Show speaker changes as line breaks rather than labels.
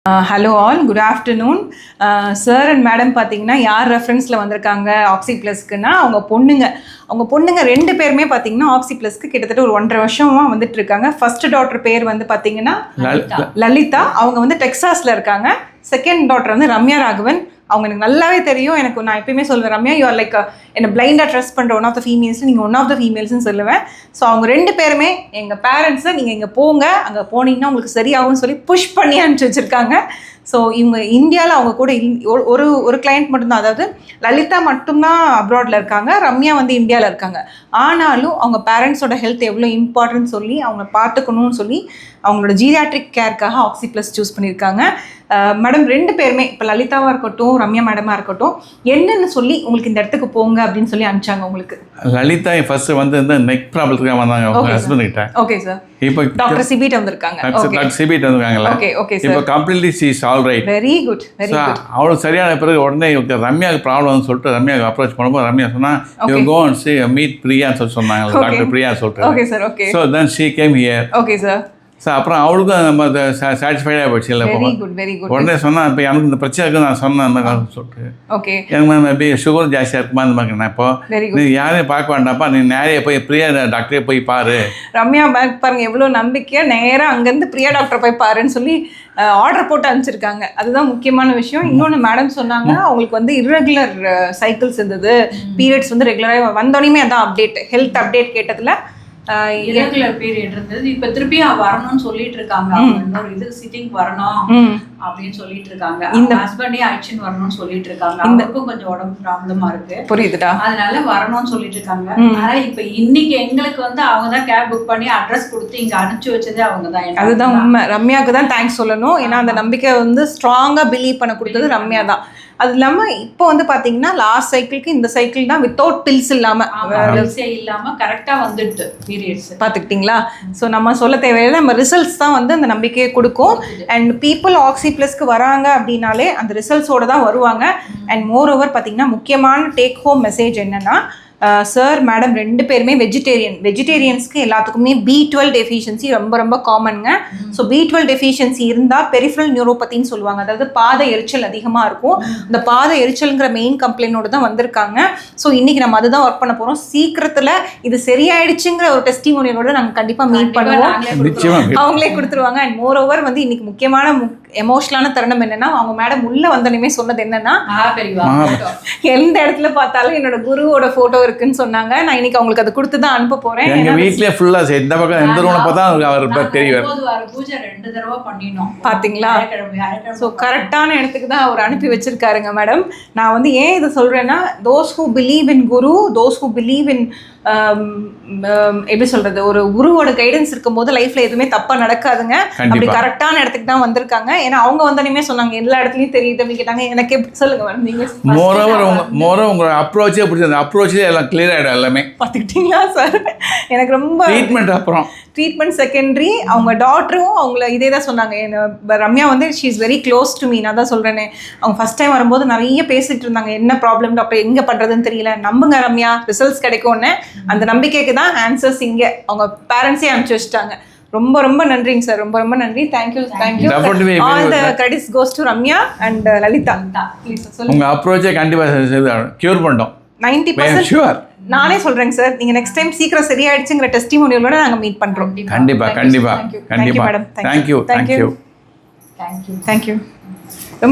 Hello all, good afternoon. Sir and madam பார்த்தீங்கன்னா யார் ரெஃபரன்ஸில் வந்திருக்காங்க ஆக்சி ப்ளஸ்க்குன்னா அவங்க பொண்ணுங்க 2 பேருமே பார்த்தீங்கன்னா ஆக்சி ப்ளஸ்க்கு கிட்டத்தட்ட ஒரு 1.5 வருஷமாக வந்துட்டு இருக்காங்க. ஃபர்ஸ்ட் டாட்டர் பேர் வந்து பார்த்தீங்கன்னா லலிதா. அவங்க வந்து டெக்ஸாஸில் இருக்காங்க. செகண்ட் டாட்டர் வந்து ரம்யா ராகவன். அவங்க எனக்கு நல்லாவே தெரியும். நான் எப்பயுமே சொல்லுவேன், ரம்யா யூ ஆர் லைக் என்னை பிளைண்டாக ட்ரஸ்ட் பண்ணுற ஒன் ஆஃப் த ஃபீமேல்ஸ், நீங்கள் ஒன் ஆஃப் த ஃபீமேல்ஸ்னு சொல்லுவேன். ஸோ அவங்க 2 பேருமே எங்கள் பேரண்ட்ஸை நீங்கள் இங்கே போங்க, அங்கே போனீங்கன்னா உங்களுக்கு சரியாகும்னு சொல்லி புஷ் பண்ணி அனுப்பிச்சி வச்சுருக்காங்க. ஸோ இவங்க இந்தியாவில் அவங்க கூட ஒரு கிளைண்ட் மட்டும்தான், அதாவது லலிதா மட்டும்தான் அப்ராடில் இருக்காங்க, ரம்யா வந்து இந்தியாவில் இருக்காங்க. ஆனாலும் அவங்க பேரண்ட்ஸோட ஹெல்த் எவ்வளோ இம்பார்ட்டன்ட் சொல்லி அவங்க பார்த்துக்கணும்னு சொல்லி அவங்களோட ஜீரியாட்ரிக் கேருக்காக ஆக்சி ப்ளஸ் சூஸ் பண்ணியிருக்காங்க. மேடம் 2 பேருமே, இப்போ லலிதாவாக இருக்கட்டும் ரம்யா மேடமாக இருக்கட்டும், என்னென்னு சொல்லி உங்களுக்கு இந்த இடத்துக்கு போங்க அப்படின்னு சொல்லி அனுப்பிச்சாங்க உங்களுக்கு?
லலிதா ஃபர்ஸ்ட் வந்து இந்த நெக் ப்ராப்ளத்துக்காக வந்தாங்க அவங்க ஹஸ்பண்ட் கிட்ட.
Okay sir.
இப்போ
டாக்டர் சிபிட் வந்திருக்காங்க.
டாக்டர் சிபிட் வந்திருக்காங்கல்ல.
Okay sir.
இப்போ completely she is all right.
Very good.
அவளுக்கு சரியான பிறகு உடனே ரம்யாவுக்கு ப்ராப்ளம்னு சொல்லிட்டு ரம்யாவுக்கு அப்ரோச் பண்ணும்போது ரம்யா சொன்னா you go and see meet பிரியான்னு சொன்னாங்க, டாக்டர் பிரியா சொல்லிட்டு.
Okay sir. Okay.
So then she came here.
Okay sir.
So அப்புறம் அவளுக்கும் நம்ம சாட்டிஸ்ஃபைடாக போச்சு. இல்லை
வெரி குட்.
உடனே சொன்னால் இப்போ எனக்கு இந்த பிரச்சனை இருக்குது நான் சொன்னேன் அந்த காலம் சொல்லிட்டு.
ஓகே.
எனக்கு எப்படி சுகர் ஜாஸ்தியாக இருக்குமா அந்த மாதிரி. நான் இப்போ நீ யாரையும் பார்க்க வேண்டாம்ப்பா, நீ நேரையே போய் பிரியா டாக்டரே போய் பாரு.
ரம்யா பேக் பாருங்க எவ்வளோ நம்பிக்கையாக நேராக அங்கேருந்து பிரியா டாக்டர் போய் பாருன்னு சொல்லி ஆர்டர் போட்டு அனுப்பிச்சிருக்காங்க. அதுதான் முக்கியமான விஷயம். இன்னொன்று மேடம் சொன்னாங்க, அவங்களுக்கு வந்து இர்ரெகுலர் சைக்கிள்ஸ் இருந்தது, பீரியட்ஸ் வந்து ரெகுலராக வந்தோடனே அதான் அப்டேட், ஹெல்த் அப்டேட் கேட்டதில்
இரெகுலர் பீரியட் இருந்தது. இப்ப திருப்பி வரணும்னு சொல்லிட்டு இருக்காங்க. இன்னொரு இது சிட்டிங் வரணும் அப்படின்னு சொல்லிட்டு இருக்காங்க. இந்த ஹஸ்பண்டே அழைச்சின்னு வரணும்னு சொல்லிட்டு இருக்காங்க. அவங்களுக்கும் கொஞ்சம் உடம்பு ப்ராப்ளமா இருக்கு.
புரியுதுடா.
அதனால வரணும்னு சொல்லிட்டு இருக்காங்க. ஆனா இப்ப இன்னைக்கு எங்களுக்கு வந்து அவங்க தான் கேப் புக் பண்ணி அட்ரஸ் கொடுத்து இங்க அனுப்பிச்சு வச்சதே அவங்க தான்.
அதுதான் உண்மை. ரம்யாவுக்கு தான் தேங்க்ஸ் சொல்லணும். ஏன்னா அந்த நம்பிக்கை வந்து ஸ்ட்ராங்கா பிலீவ் பண்ண கொடுத்தது ரம்யா தான். அது இல்லாமல் இப்போ வந்து பார்த்தீங்கன்னா லாஸ்ட் சைக்கிளுக்கு இந்த சைக்கிள் தான் வித்தவுட் பில்ஸ்
இல்லாமல் கரெக்டாக வந்துட்டு பீரியட்ஸ்
பார்த்துக்கிட்டிங்களா. ஸோ நம்ம சொல்ல தேவையில்லை, நம்ம ரிசல்ட்ஸ் தான் வந்து அந்த நம்பிக்கையை கொடுக்கும். அண்ட் பீப்புள் ஆக்சி ப்ளஸ்க்கு வராங்க அப்படின்னாலே அந்த ரிசல்ட்ஸோடு தான் வருவாங்க. அண்ட் மோர் ஓவர் பார்த்தீங்கன்னா முக்கியமான டேக் ஹோம் மெசேஜ் என்னென்னா, சார் மேடம் 2 பேருமே வெஜிடேரியன்ஸ்க்கு எல்லாத்துக்குமே B12 டெஃபிஷியன்சி ரொம்ப காமனுங்க. ஸோ B12 டெஃபிஷியன்சி இருந்தால் பெரிஃபரல் நியூரோபத்தின்னு சொல்லுவாங்க, அதாவது பாத எரிச்சல் அதிகமாக இருக்கும். இந்த பாத எரிச்சல்ங்கிற மெயின் கம்ப்ளைண்டோடு தான் வந்திருக்காங்க. ஸோ இன்றைக்கி நம்ம அதுதான் ஒர்க் பண்ண போகிறோம். சீக்கிரத்தில் இது சரியாயிடுச்சுங்கிற ஒரு டெஸ்டிமோனியலோட நாங்கள் கண்டிப்பாக மீட் பண்ணுவோம். அவங்களே கொடுத்துருவாங்க. அண்ட் மோர் ஓவர் வந்து இன்னைக்கு முக்கியமான எமோஷனலான தருணம் என்னன்னா, அவங்க மேடம் உள்ள வந்தோடனே சொன்னது என்னன்னா, எந்த இடத்துல பார்த்தாலும் என்னோட குருவோட போட்டோ இருக்குன்னு சொன்னாங்க. நான் இன்னைக்கு அவங்களுக்கு அதை கொடுத்து தான் அனுப்ப போறேன்.
எங்க வீட்லயே ஃபுல்லா இந்த பக்கம் எந்த ரூம்ல பார்த்தா அவர் தெரியும்.
பூஜை 2 தடவை பண்ணினோம்
பாத்தீங்களா. சோ கரெக்டான இடத்துக்கு தான் அவர் அனுப்பி வச்சிருக்காருங்க மேடம். நான் வந்து ஏன் இதை சொல்றேன்னா, those who believe in guru, those who believe in எப்படி சொல்றது, ஒரு குருவோட கைடன்ஸ் இருக்கும்போது லைஃப்ல எதுவுமே தப்பா நடக்காதுங்க. அப்படி கரெக்டான இடத்துக்கு தான் வந்திருக்காங்க. ஏன்னா அவங்க வந்தோடனே சொன்னாங்க எல்லா இடத்துலயும் தெரியுது அப்படின்னு கேட்டாங்க. எனக்கு எப்படி சொல்லுங்க மேடம், நீங்க
மோரோவர் உங்களோட அப்ரோச்சே பிடிச்சது, அப்ரோச்சே எல்லாம் கிளியர் ஆயிடும் எல்லாமே.
பார்த்துக்கிட்டீங்களா சார். எனக்கு ரொம்ப ட்ரீட்மெண்ட் செகண்டரி. அவங்க டாக்டரும் அவங்கள இதே தான் சொன்னாங்க. ரம்யா வந்து she is very close to me. நான் தான் சொல்கிறேனே, அவங்க ஃபஸ்ட் டைம் வரும்போது நிறைய பேசிகிட்டு இருந்தாங்க, என்ன ப்ராப்ளம் டாக்டர், எங்கே பண்ணுறதுன்னு தெரியல, நம்புங்க ரம்யா ரிசல்ட்ஸ் கிடைக்கும்னு. அந்த நம்பிக்கைக்கு தான் ஆன்சர்ஸ் இங்கே அவங்க பேரண்ட்ஸே அனுப்பிச்சு வச்சுட்டாங்க. ரொம்ப நன்றிங்க சார், ரொம்ப நன்றி. Thank you. All the credits goes to Ramya and Lalitha. Please சொல்லுங்க.
உங்கள் அப்ரோச்சே கண்டிப்பாக க்யூர் பண்ணிட்டோம்
90%. ஷூர். நானே சொல்றேங்க சார், நீங்க நெக்ஸ்ட் டைம் சீக்கிரம் சரியாயிடுச்சுங்கிற டெஸ்டிமோனியலோட நாங்க மீட் பண்றோம்.
கண்டிப்பா
மேடம். தேங்க்யூ.